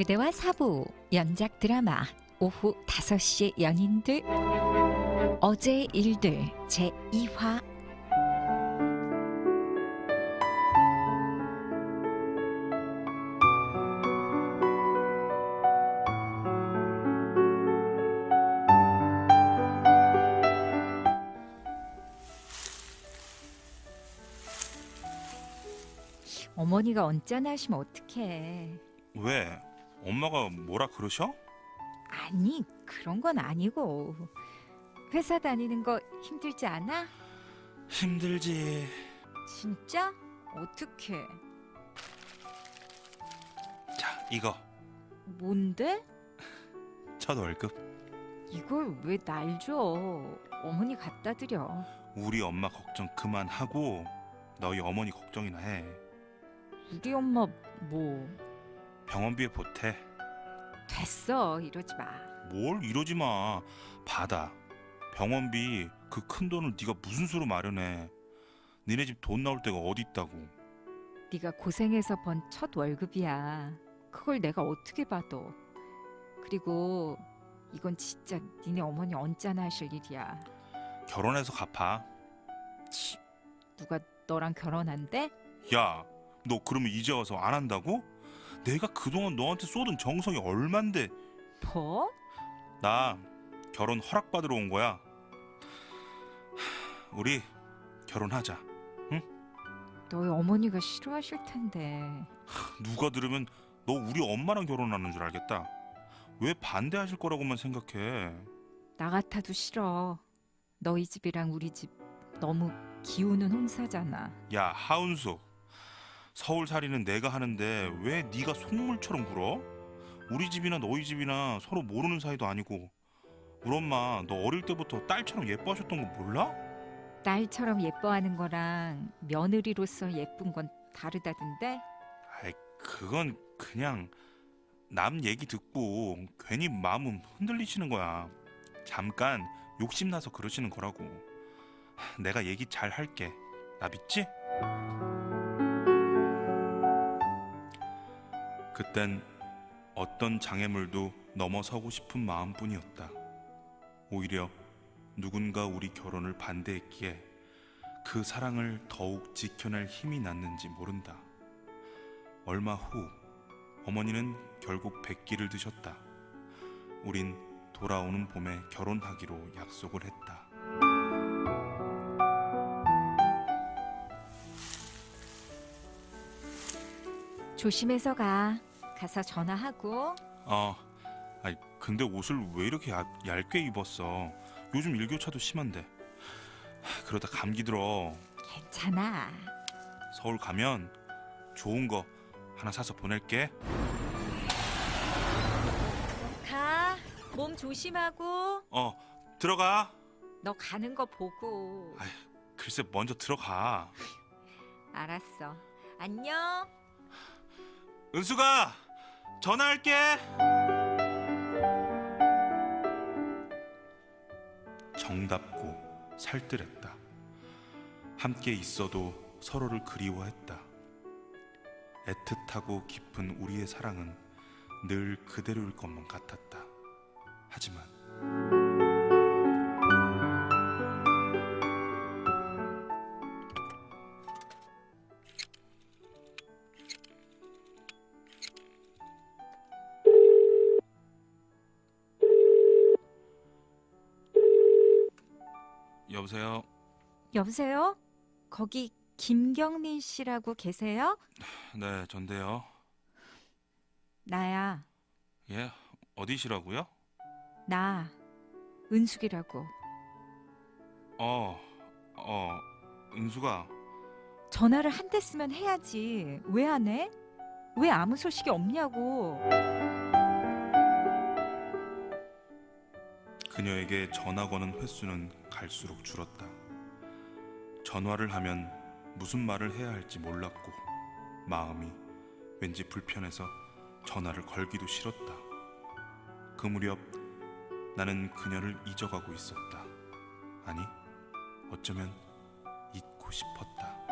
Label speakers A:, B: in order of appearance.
A: 그대와 사부 연작 드라마 오후 5시 연인들 어제의 일들 제2화. 어머니가 언짢아 하시면 어떡해.
B: 왜? 엄마가 뭐라 그러셔?
A: 아니, 그런 건 아니고. 회사 다니는 거 힘들지 않아?
B: 힘들지.
A: 진짜? 어떡해.
B: 자, 이거
A: 뭔데?
B: 첫 월급.
A: 이걸 왜 날 줘? 어머니 갖다 드려.
B: 우리 엄마 걱정 그만하고 너희 어머니 걱정이나 해.
A: 우리 엄마 뭐?
B: 병원비에 보태.
A: 됐어, 이러지 마.
B: 뭘 이러지 마. 받아. 병원비 그 큰 돈을 네가 무슨 수로 마련해. 니네 집 돈 나올 데가 어디 있다고.
A: 네가 고생해서 번 첫 월급이야. 그걸 내가 어떻게 받아. 그리고 이건 진짜 니네 어머니 언짢아 하실 일이야.
B: 결혼해서 갚아.
A: 누가 너랑 결혼한대?
B: 야, 너 그러면 이제 와서 안 한다고? 내가 그동안 너한테 쏟은 정성이 얼만데.
A: 뭐?
B: 나 결혼 허락받으러 온 거야. 우리 결혼하자.
A: 너희 어머니가 싫어하실 텐데.
B: 누가 들으면 너 우리 엄마랑 결혼하는 줄 알겠다. 왜 반대하실 거라고만 생각해.
A: 나 같아도 싫어. 너희 집이랑 우리 집 너무 기우는 홍사잖아.
B: 야, 하은수, 서울살이는 내가 하는데 왜 네가 속물처럼 굴어? 우리 집이나 너희 집이나 서로 모르는 사이도 아니고. 우리 엄마 너 어릴 때부터 딸처럼 예뻐하셨던 거 몰라?
A: 딸처럼 예뻐하는 거랑 며느리로서 예쁜 건 다르다던데?
B: 아이, 그건 그냥 남 얘기 듣고 괜히 마음 흔들리시는 거야. 잠깐 욕심나서 그러시는 거라고. 내가 얘기 잘 할게. 나 믿지? 그땐 어떤 장애물도 넘어서고 싶은 마음뿐이었다. 오히려 누군가 우리 결혼을 반대했기에 그 사랑을 더욱 지켜낼 힘이 났는지 모른다. 얼마 후 어머니는 결국 백기를 드셨다. 우린 돌아오는 봄에 결혼하기로 약속을 했다.
A: 조심해서 가. 가서 전화하고.
B: 아니 근데 옷을 왜 이렇게 얇게 입었어? 요즘 일교차도 심한데. 그러다 감기 들어.
A: 괜찮아.
B: 서울 가면 좋은 거 하나 사서 보낼게.
A: 가. 몸 조심하고.
B: 들어가.
A: 너 가는 거 보고.
B: 글쎄 먼저 들어가.
A: 알았어. 안녕.
B: 은수가 전화할게. 정답고 살뜰했다. 함께 있어도 서로를 그리워했다. 애틋하고 깊은 우리의 사랑은 늘 그대로일 것만 같았다. 하지만 여보세요?
A: 여보세요? 거기 김경민 씨라고 계세요?
B: 네, 전데요.
A: 나야.
B: 예, 어디시라고요?
A: 나. 은숙이라고.
B: 은수가
A: 전화를 한 대 쓰면 해야지. 왜 안 해? 왜 아무 소식이 없냐고.
B: 그녀에게 전화 거는 횟수는 갈수록 줄었다. 전화를 하면 무슨 말을 해야 할지 몰랐고 마음이 왠지 불편해서 전화를 걸기도 싫었다. 그 무렵 나는 그녀를 잊어가고 있었다. 아니, 어쩌면 잊고 싶었다.